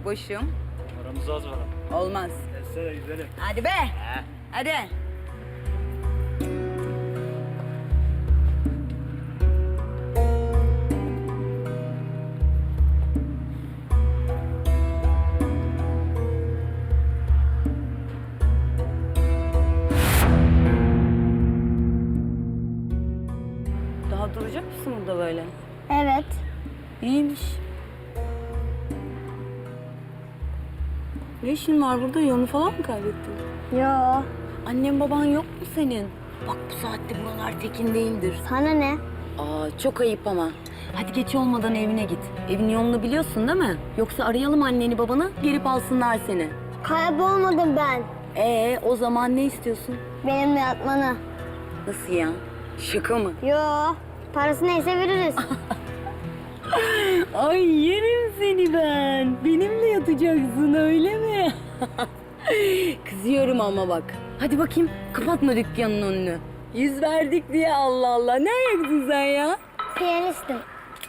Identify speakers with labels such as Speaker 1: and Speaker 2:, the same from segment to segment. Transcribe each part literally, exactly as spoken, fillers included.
Speaker 1: boşum.
Speaker 2: Aramızda az var ama.
Speaker 1: Olmaz.
Speaker 2: Etsene gidelim.
Speaker 1: Hadi be.
Speaker 2: He.
Speaker 1: Hadi. Daha duracak mısın burada böyle?
Speaker 3: Evet.
Speaker 1: İyiymiş. Ne işin var burada? Yolunu falan mı kaybettin?
Speaker 3: Yo.
Speaker 1: Annen baban yok mu senin? Bak bu saatte buralar tekin değildir.
Speaker 3: Sana ne?
Speaker 1: Aa çok ayıp ama. Hadi geç olmadan evine git. Evin yolunu biliyorsun değil mi? Yoksa arayalım anneni babanı gelip alsınlar seni.
Speaker 3: Kaybolmadım ben.
Speaker 1: Ee o zaman ne istiyorsun?
Speaker 3: Benimle yatmanı.
Speaker 1: Nasıl ya? Şaka mı?
Speaker 3: Yo. Parası neyse veririz.
Speaker 1: Ay yerim seni ben. Benimle yatacaksın öyle mi? Kızıyorum ama bak. Hadi bakayım kapatma dükkanın önünü. Yüz verdik diye Allah Allah. Ne ayaksın sen ya?
Speaker 3: Piyanistim.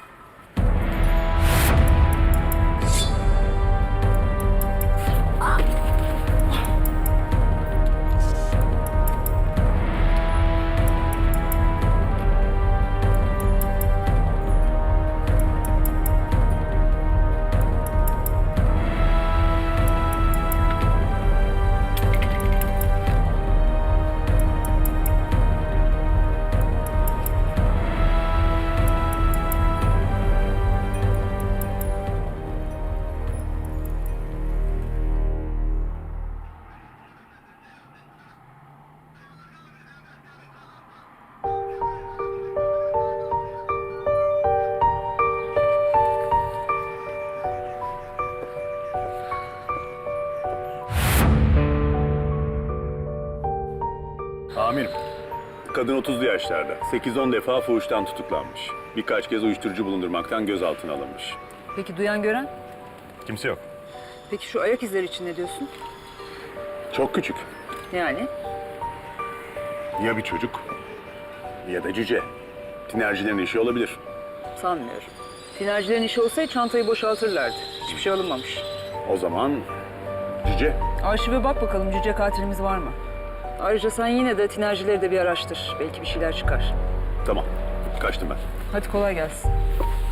Speaker 4: Amirim, kadın otuzlu yaşlarda. sekiz on defa fuhuştan tutuklanmış. Birkaç kez uyuşturucu bulundurmaktan gözaltına alınmış.
Speaker 5: Peki duyan gören?
Speaker 4: Kimse yok.
Speaker 5: Peki şu ayak izleri için ne diyorsun?
Speaker 4: Çok küçük.
Speaker 5: Yani?
Speaker 4: Ya bir çocuk ya da cüce. Tinercilerin işi olabilir.
Speaker 5: Sanmıyorum. Tinercilerin işi olsaydı çantayı boşaltırlardı. Hiçbir şey alınmamış.
Speaker 4: O zaman cüce.
Speaker 5: Arşive bak bakalım cüce katilimiz var mı? Ayrıca sen yine de tinercileri de bir araştır. Belki bir şeyler çıkar.
Speaker 4: Tamam, kaçtım ben.
Speaker 5: Hadi kolay gelsin.